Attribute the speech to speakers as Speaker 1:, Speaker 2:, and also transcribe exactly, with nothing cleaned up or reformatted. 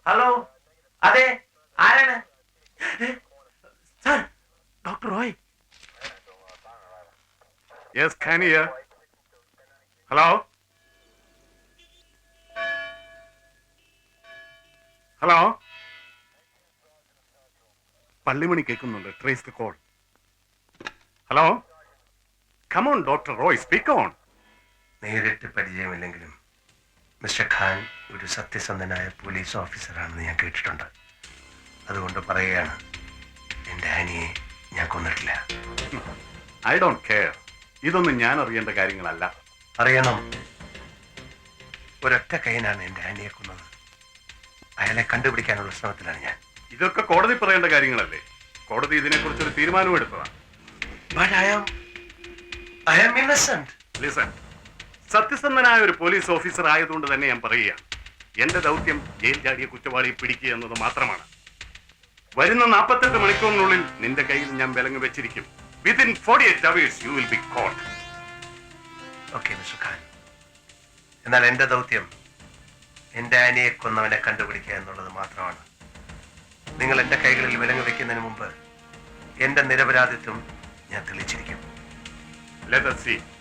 Speaker 1: Hello, അതെ, ആരാണ്?
Speaker 2: Sir, doctor Roy. Yes, Khan here. Hello hello, പള്ളിമണി കേൾക്കുന്നുണ്ട്. Trace the call. Hello, come on doctor Roy, speak on.
Speaker 1: നേരിട്ട് പരിചയമില്ലെങ്കിലും മിസ്റ്റർ ഖാൻ ഒരു സത്യസന്ധനായ പോലീസ് ഓഫീസറാണെന്ന് ഞാൻ കേട്ടിട്ടുണ്ട്. അതുകൊണ്ട് പറയുകയാണ്, എൻ്റെ ആനിയെ ഞാൻ കൊന്നിട്ടില്ല.
Speaker 2: I don't care. ഇതൊന്നും ഞാൻ അറിയേണ്ട കാര്യങ്ങളല്ല.
Speaker 1: അറിയണം. ഒരൊറ്റ കൈനാണ് എൻ്റെ ആനിയെ കൊന്നത്. അയാളെ കണ്ടുപിടിക്കാനുള്ള ശ്രമത്തിലാണ് ഞാൻ.
Speaker 2: ഇതൊക്കെ കോടതി പറയേണ്ട കാര്യങ്ങളല്ലേ? കോടതി ഇതിനെക്കുറിച്ച് ഒരു തീരുമാനം എടുത്തതാണ്.
Speaker 1: But I am, I am innocent.
Speaker 2: Listen, സത്യസന്ധനായ ഒരു പോലീസ് ഓഫീസർ ആയതുകൊണ്ട് തന്നെ ഞാൻ പറയുകയാണ്, എന്റെ ദൗത്യം ജയിൽ ചാടിയ കുറ്റവാളിയെ പിടിക്കുക എന്നത് മാത്രമാണ്. വരുന്ന നാൽപ്പത്തെട്ട് മണിക്കൂറിനുള്ളിൽ നിന്റെ കയ്യിൽ ഞാൻ വിലങ്ങ് വെച്ചിരിക്കും. Within forty eight hours you will be caught.
Speaker 1: Okay mister Khan, എന്നാൽ എന്റെ ദൗത്യം എന്റെ ആനിയെ കൊന്നവനെ കണ്ടുപിടിക്കുക എന്നുള്ളത് മാത്രമാണ്. നിങ്ങൾ എന്റെ കൈകളിൽ വിലങ്ങ് വെക്കുന്നതിന് മുമ്പ് എന്റെ നിരപരാധിത്വം ഞാൻ തെളിയിച്ചിരിക്കും.
Speaker 2: Let us see.